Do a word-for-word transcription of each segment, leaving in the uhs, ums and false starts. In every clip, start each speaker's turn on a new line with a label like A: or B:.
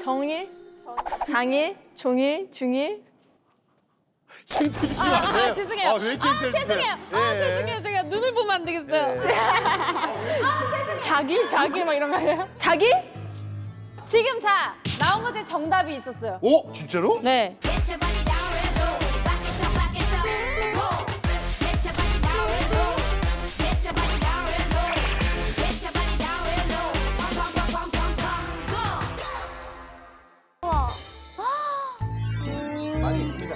A: 정일, 장일, 종일, 중일.
B: 힌트 주시면
C: 아,
B: 안 돼요?
C: 아, 죄송해요.
B: 아, 왜 이렇게
C: 아,
B: 힌트를
C: 죄송해요.
B: 주세요?
C: 아,
B: 예.
C: 죄송해요. 제가 눈을 보면 안 되겠어요.
B: 예.
A: 자길, 자길 막 이런 거 아니에요? 자길?
C: 지금 자, 나온 것 중에 정답이 있었어요.
B: 오, 진짜로?
C: 네.
B: 많이 있습니다.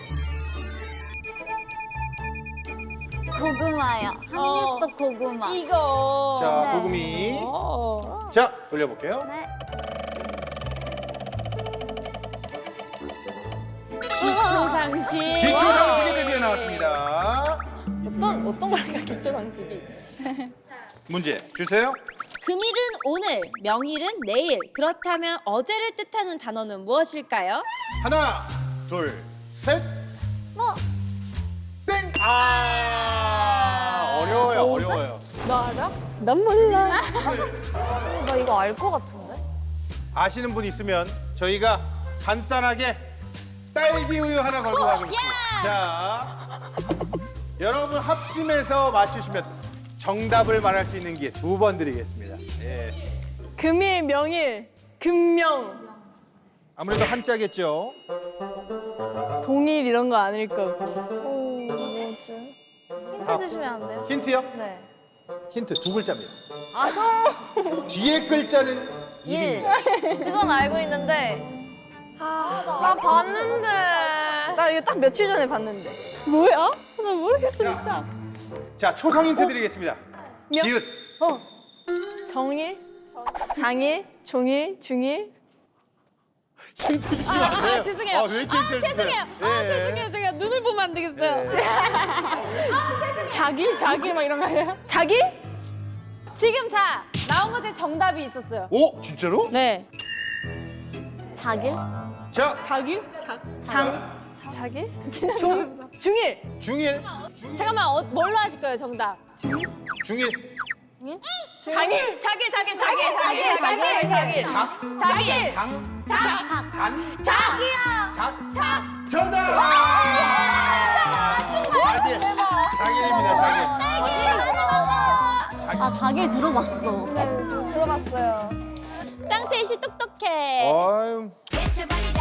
D: 고구마요. 한입 속 고구마.
C: 이거.
B: 자,
D: 네.
B: 고구미.
C: 어.
B: 자, 올려볼게요.
D: 네.
C: 기초 상식.
B: 기초 상식이 드디어 나왔습니다.
A: 어떤, 어떤 걸까, 기초 상식이?
B: 문제 주세요.
C: 금일은 오늘, 명일은 내일. 그렇다면 어제를 뜻하는 단어는 무엇일까요?
B: 하나, 둘, 셋.
D: 뭐?
B: 땡! 아, 어려워요, 어려워요.
A: 너 알아? 난 몰라.
D: 나 이거 알 것 같은데?
B: 아시는 분 있으면 저희가 간단하게 딸기 우유 하나 걸고 가겠습니다. 자, 여러분 합심해서 맞추시면 정답을 말할 수 있는 기회 두 번 드리겠습니다. 예.
A: 금일, 명일, 금명,
B: 아무래도 한자겠죠.
A: 동일 이런 거 아닐 거고.
D: 오, 뭐지? 힌트
B: 아.
D: 주시면 안 돼요?
B: 힌트요?
D: 네.
B: 힌트 두 글자입니다.
D: 아,
B: 뒤에 글자는 일입니다.
D: 그건 알고 있는데. 아, 나 봤는데.
A: 나 이거 딱 며칠 전에 봤는데. 뭐야? 나 모르겠어, 진짜.
B: 자, 초성 힌트 드리겠습니다.
A: 명?
B: 지읒.
A: 어. 정일, 장일, 종일, 중일.
B: 힌트 주시면
C: 아,
B: 안 돼요?
C: 아, 죄송해요.
B: 아, 왜 이렇게
C: 아,
B: 힌트를
C: 죄송해요.
B: 주세요?
C: 아,
B: 예.
C: 죄송해요. 제가 눈을 보면 안 되겠어요.
B: 예.
A: 자길, 자길 막 이런 거 아니에요? 자길?
C: 지금 자, 나온 것 중에 정답이 있었어요.
B: 오, 진짜로?
C: 네.
D: 자길?
B: 자,
A: 자길? 자, 장, 자길? 종, 중일.
B: 중일.
C: 잠깐만, 어, 뭘로 하실 거예요, 정답?
B: 중일.
A: 장일.
D: 자길, 자길, 자길, 자길, 자길, 자길.
E: 작,
D: 자길.
E: 장,
D: 작, 작,
E: 잔,
D: 자기야.
E: 작.
B: 정답! 자길. 자길입니다, 자길.
D: 아, 자길 들어봤어. 네, 들어봤어요.
C: 짱태희 씨 똑똑해.
B: 어휴.
F: Get your body